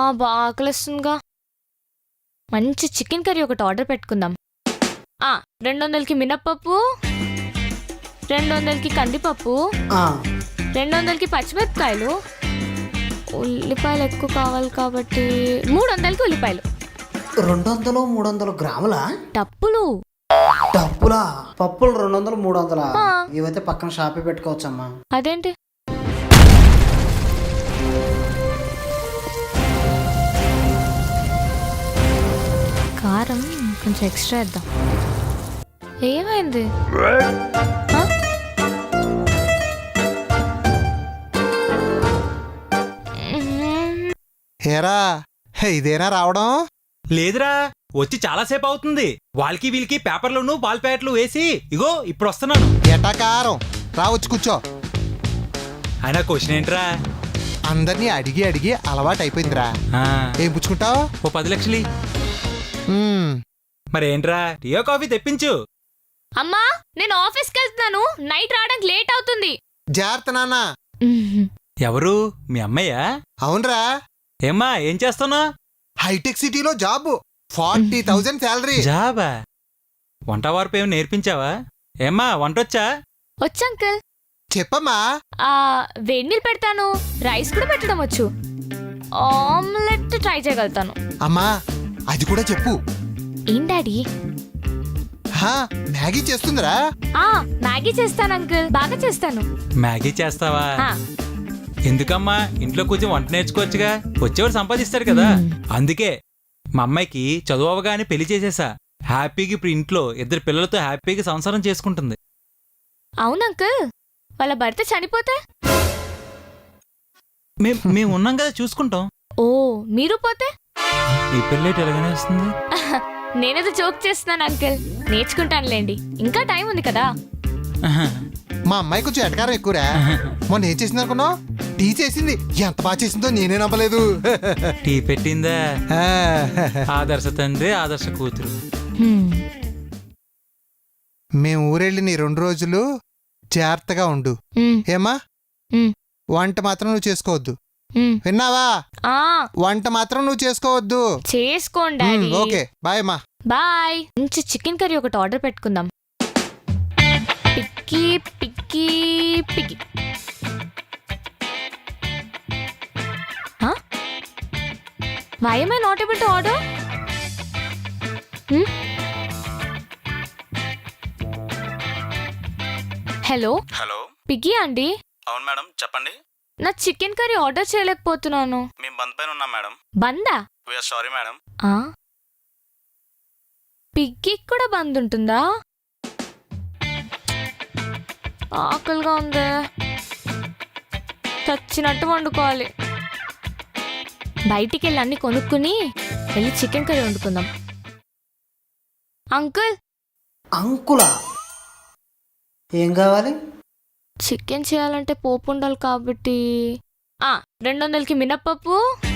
ఆకలిస్తుందిగా. మంచి chicken curry ఒకటి order పెట్టుకుందాం. 200కి మినప్పప్పు, 200కి కందిపప్పు, 200కి పచ్చిమిరపకాయలు, ఉల్లిపాయలు ఎక్కువ కావాలి కాబట్టి 300కి ఉల్లిపాయలు. 200 300 గ్రాముల డప్పులు. డబ్బులా? పప్పులు 200 300. ఇవైతే పక్కన షాపే పెట్టుకోవచ్చమ్మా. అదేంటి? కారం కొంచెం ఎక్స్ట్రా ఇద్దాం. ఏమైంది? హేరా, ఇదేనా రావడం? లేదురా, వచ్చి చాలాసేపు అవుతుంది. వాళ్ళకి వీళ్ళకి పేపర్లను పాల్ ప్యాకెట్లు వేసి ఇగో ఇప్పుడు వస్తున్నాను. ఎటాకారం రావచ్చు, కూర్చో. అయినా క్వశ్చన్ ఏంట్రా? అందరినీ అడిగి అడిగి అలవాటు అయిపోయిందిరా. ఏం పుచ్చుకుంటావు? ఓ 10 లక్షలు. మరేంట్రా, టియో కాఫీ తెప్పించు. అమ్మా, నేను ఆఫీస్కి వెళ్తున్నాను. నైట్ రావడానికి లేట్ అవుతుంది. జాగ్రత్త నాన్న. ఎవరు? మీ అమ్మయ్యా? అవునరా. ఏమ్మా, ఏం చేస్తున్నావు? హైటెక్ సిటీలో జాబ్, 40,000 శాలరీ. జాబా? వంట వార్పు ఏమి నేర్పించావా? ఏమ్మా, వంటొచ్చా? వచ్చు అంకుల్. చెప్పమ్మా. వేడి నీళ్ళు పెడతాను. రైస్ కూడా పెట్టడం వచ్చు. ఆమ్లెట్ ట్రై చేయగలుగుతాను. అమ్మా, అది కూడా చెప్పు. ఏం డాడీ? మ్యాగీ చేస్తుందిరా. మ్యాగీ చేస్తాను అంకుల్, బాగా చేస్తాను. మ్యాగీ చేస్తావా? ఎందుకమ్మా, ఇంట్లో కూర్చొని వంట నేర్చుకోవచ్చుగా. వచ్చేవాడు సంపాదిస్తాడు కదా. అందుకే మా అమ్మాయికి చదువు అవగానే పెళ్లి చేసేసా. హ్యాపీగా ఇప్పుడు ఇంట్లో 2 పిల్లలతో హ్యాపీగా సంసారం చేసుకుంటుంది. అవును అంకుల్, వాళ్ళ భర్త చనిపోతే? మేము ఉన్నాం కదా, చూసుకుంటాం. ఓ, మీరు పోతే? ఈ పెళ్ళేటి ఎలాగనే వస్తుంది. నేనేదో జోక్ చేస్తున్నాను అంకుల్, నేర్చుకుంటానులేండి, ఇంకా టైం ఉంది కదా. మా అమ్మాయి కొంచెం ఎటకారం ఎక్కువరా. మొన్న ఏం చేసింది అనుకున్నావు? టీ చేసింది. ఎంత బాగా చేసిందో నేనే నమ్మలేదు. టీ పెట్టిందా? ఆదర్శ తండ్రి, ఆదర్శ కూతురు. మేము ఊరెళ్ళి నీ 2 రోజులు జాగ్రత్తగా ఉండు. ఏమా, వంట మాత్రం నువ్వు చేసుకోవద్దు, విన్నావా? వంట మాత్రం నువ్వు చేసుకోవద్దు. చేసుకోండి. ఓకే, బాయ్ అమ్మా. బాయ్. మంచి చికెన్ కర్రీ ఒకటి ఆర్డర్ పెట్టుకుందాం. పిక్కి పిక్కి పిక్కి. Why am I not able to order? Hello hello, పిగ్గి అండి? అవును మేడం, చెప్పండి. నా చికెన్ కర్రీ ఆర్డర్ చేయలేకపోతున్నాను. మేము బంద్ పైన ఉన్నాం మేడం. బందా? We are sorry madam. పిగ్గికి కూడా బంద్ ఉంటుందా? ఆకలిగా ఉంది, చచ్చినట్టు వండుకోవాలి. బయటికి వెళ్ళి అన్ని కొనుక్కుని వెళ్ళి చికెన్ కర్రీ వండుకుందాం. అంకుల్. అంకులా? ఏం కావాలి? చికెన్ చేయాలంటే పోపు ఉండాలి కాబట్టి 200కి మినప్పప్పు,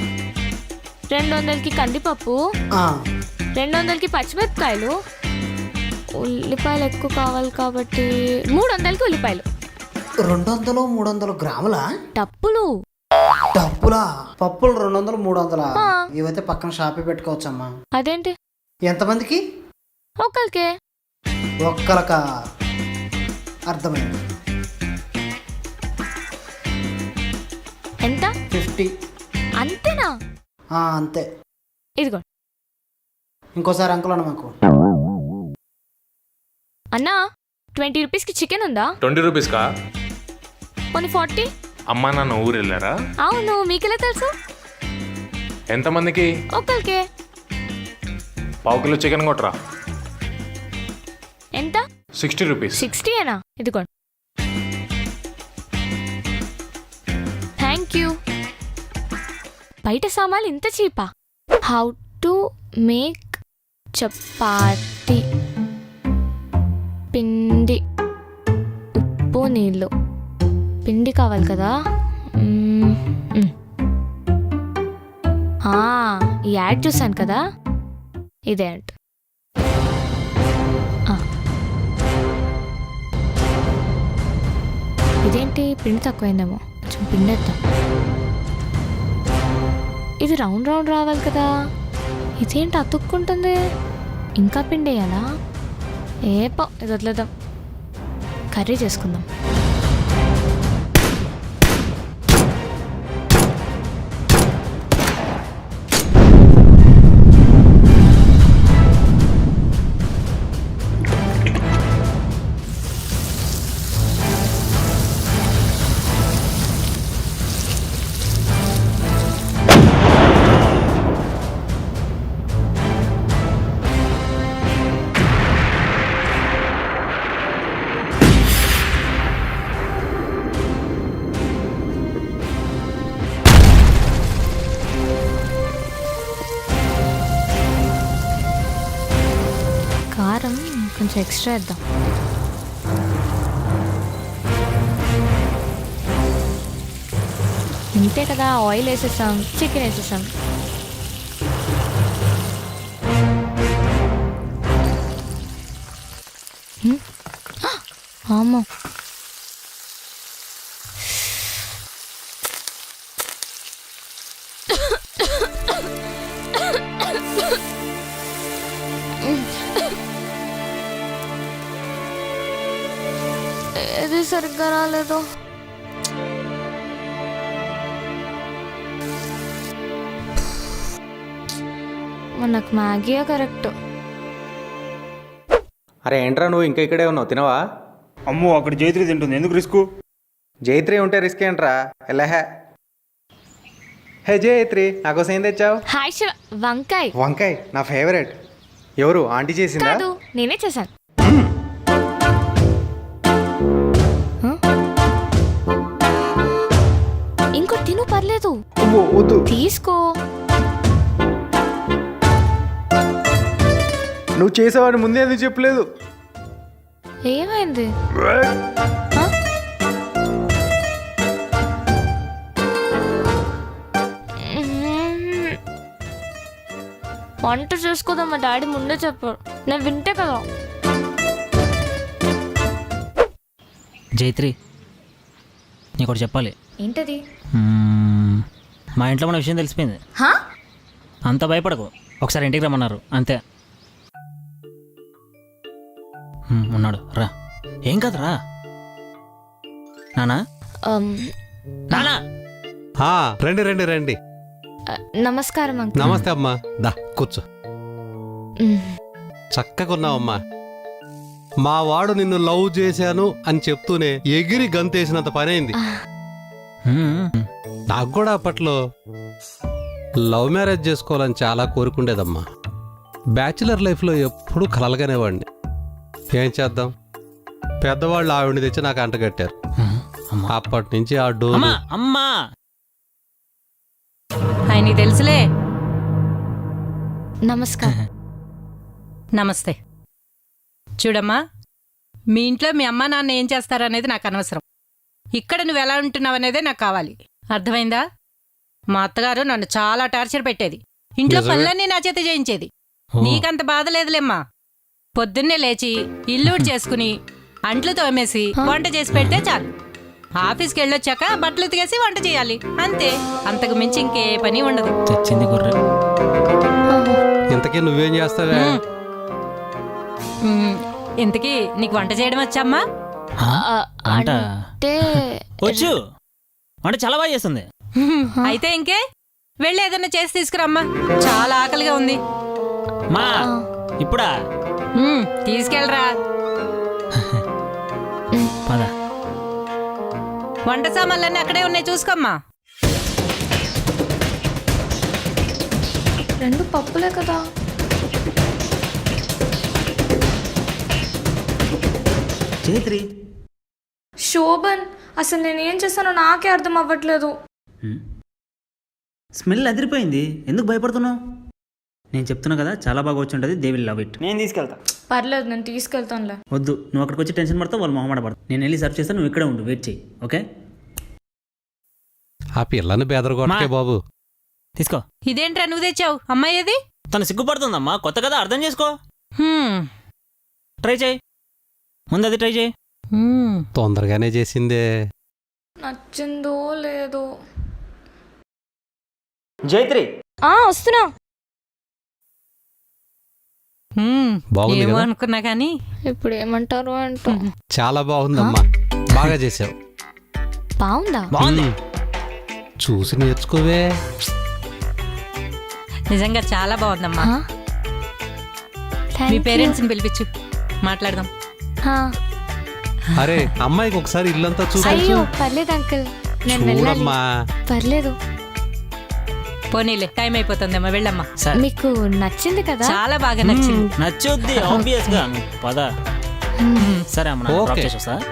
200కి కందిపప్పు, 200కి పచ్చిమిరపకాయలు, ఉల్లిపాయలు ఎక్కువ కావాలి కాబట్టి 300కి ఉల్లిపాయలు. 200 300 గ్రాముల డప్పులు. డబ్బులా? పప్పులు 200 300. ఇవైతే పక్కన షాపే పెట్టుకోవచ్చమ్మా. అదేంటి? ఎంతమందికి? ఒక్కరికే. ఒక్కలకా? అర్థమైంది. ఎంత? 50. అంతేనా? అంతే. ఇదిగో. ఇంకోసారి అంకుల్ అన్న మాకు. అన్నా, 20 రూపీస్కి చికెన్ ఉందా? 20 రూపీస్కా? కొన్ని 40. అమ్మా నాన్న ఊరు వెళ్ళారా? అవును, మీకెలా తెలుసు? ఎంతమందికి? ఒక్కరికే. ½ కిలో చికెన్ కొట్టరా. ఎంత? 60 రూపీస్. 60ఏనా? ఇదిగో. Thank you. బయట సామాన్లు ఇంత చీపా? How to make chapati. పిండి, ఉప్పు, నీళ్ళు. పిండి కావాలి కదా. ఈ యాడ్ చూసాను కదా, ఇదే అంట. ఇదేంటి పిండి తక్కువైందేమో, కొంచెం పిండి వేద్దాం. ఇది రౌండ్ రౌండ్ రావాలి కదా, ఇదేంటి అతుక్కుంటుంది? ఇంకా పిండేయాలా? ఇది వదిలేద్దాం, కర్రీ చేసుకుందాం. కారం కొంచెం ఎక్స్ట్రా వేద్దాం. ఇంతే కదా, ఆయిల్ వేసేసాం, చికెన్ వేసేసాం. అమ్మో, ఏది సరిగ్గా రాలేదు. మనకు మ్యాగీయే కరెక్ట్. అరే ఏంట్రా నువ్వు ఇంకా ఇక్కడే ఉన్నావు, తినవా? అమ్మో అక్కడ జైత్రి తింటుంది, ఎందుకు రిస్క్? జైత్రి ఉంటే రిస్క్ ఏంట్రా, ఎలాహే. హే జైత్రి, నాకోసం ఏం తెచ్చావు? హాయ్ శివ, వంకాయ్. వంకాయ నా ఫేవరెట్. ఎవరు, ఆంటీ చేసిందా? కాదు, నేనే చేశాను. ఇంకో తిను, పర్లేదు, అమ్మో, వద్దు. తీసుకో. నువ్వు చేసావని ముందే ఎందుకు చెప్పలేదు? ఏమైంది? వంట చేసుకోదాం, మా డాడీ ముందే చెప్పారు, నేను వింటే కదా. జైత్రి, నీకు ఒకటి చెప్పాలి. ఏంటది? మా ఇంట్లో మన విషయం తెలిసిపోయింది. అంత భయపడకు, ఒకసారి ఇంటికి రమ్మన్నారు అంతే. ఉన్నాడు, రా. ఏం కాదురా నానా. నానా, రండి రండి రండి. నమస్కారం అంకుల్. నమస్తే అమ్మా, దా కూర్చో. చక్కగా ఉన్నావమ్మా. మా వాడు నిన్ను లవ్ చేశాను అని చెప్తూనే ఎగిరి గంతేసినంత పనైంది. నాకు కూడా అప్పట్లో లవ్ మ్యారేజ్ చేసుకోవాలని చాలా కోరుకుండేదమ్మా. బ్యాచిలర్ లైఫ్లో ఎప్పుడూ కలలుగానేవాడిని. ఏం చేద్దాం, పెద్దవాళ్ళు ఆవిడని తెచ్చి నాకు అంటగట్టారు. అప్పటి నుంచి ఆ డోర్. అమ్మా ఆయనకి తెలుసులే. నమస్కారం. నమస్తే. చూడమ్మా, మీ ఇంట్లో మీ అమ్మ నాన్న ఏం చేస్తారనేది నాకు అనవసరం. ఇక్కడ నువ్వు ఎలా ఉంటున్నావు అనేదే నాకు కావాలి, అర్థమైందా? మా అత్తగారు నన్ను చాలా టార్చర్ పెట్టేది, ఇంట్లో పనులన్నీ నా చేత చేయించేది. నీకంత బాధ లేదులేమ్మా. పొద్దున్నే లేచి ఇల్లు చేసుకుని అంట్లు తోమేసి వంట చేసి పెడితే చాలు. ఆఫీస్కి వెళ్ళొచ్చాక బట్టలు ఉతికేసి వంట చేయాలి, అంతే. అంతకు మించి ఇంకే పని ఉండదు. తెచ్చింది గుర్రె. ఇంతకీ నువ్వేం చేస్తావే? ఇంతకీ నీకు వంట చేయడం వచ్చామ్మా? అంటే వచ్చు, వంట చాలా బాగా చేస్తుంది. అయితే ఇంకే వెళ్ళి ఏదైనా చేసి తీసుకురమ్మా, చాలా ఆకలిగా ఉంది. మా ఇప్పుడా? తీసుకెళ్ళరా. పద. వంట సామాన్లన్నీ అక్కడే ఉన్నాయి, చూసుకోమ్మా. రెండు పప్పులే కదా. జైత్రి, శోభన్, అసలు నేను ఏం చేస్తానో నాకే అర్థం అవ్వట్లేదు. స్మెల్ అదిరిపోయింది, ఎందుకు భయపడుతున్నావు? నేను చెప్తున్నా కదా, చాలా బాగా వచ్చి ఉంటుంది. They will love it. నేను తీసుకెళ్తా. పర్లేదు, నేను తీసుకెళ్తానులే. వద్దు, నువ్వు అక్కడికి వచ్చి టెన్షన్ పడతావు, వాళ్ళు మొహమాట పడతావు. నేను వెళ్ళి సర్వ్ చేస్తాను, నువ్వు ఇక్కడే ఉండు, వెయిట్ చేయి, ఓకే? ఆ పిల్లని బెదరగొట్టకే బాబు. తీసుకో. ఇదేంట్రా నువ్వు తెచ్చావు? అమ్మాయి ఏది? తను సిగ్గుపడుతుందమ్మా, కొత్త కదా, అర్థం చేసుకో. ట్రై చేయి, ముందు అది ట్రై చేయి. తొందరగానే చేసిందే. నచ్చిందో లేదో. జైత్రి వస్తున్నా. బాగుంది ఏమో కదా? అనుకున్నా కానీ ఇప్పుడు ఏమంటారు అంటూ. చాలా బాగుందమ్మా, బాగా చేసావు. బాగుందా? బాగుంది. చూసి నేర్చుకోవే. నిజంగా చాలా బాగుందమ్మా. ఆ? Thank me you. పేరెంట్స్ని పిలిపించు, మాట్లాడదాం. ఆ. అరే అమ్మాయికి ఒకసారి ఇల్లంతా అయ్యో చూపించు. పర్లేదు అంకుల్, నేను వెళ్ళాలి. చూడమ్మా. పర్లేదు. పోనీలే, టైం అయిపోతుందమ్మా, వెళ్ళమ్మా. సరే మీకు నచ్చింది కదా? చాలా బాగా నచ్చింది. నచ్చుద్ది ఆబ్వియస్ గా. పద. సరే అమ్మ, నా డ్రాప్ ఓకే. చేసి వస్తా.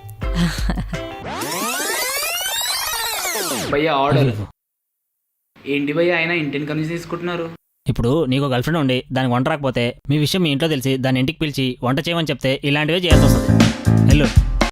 భయ్యా ఆర్డర్ ఏంటి భయ్యా ఆయన ఇంటిని కన్విన్స్ తీసుకుంటున్నారు? ఇప్పుడు నీకు గర్ల్ ఫ్రెండ్ ఉండి దానికి వంట రాకపోతే మీ విషయం మీ ఇంట్లో తెలిసి దాని ఇంటికి పిలిచి వంట చేయమని చెప్తే ఇలాంటివే చేయాల్సి వస్తుంది. వెళ్ళు.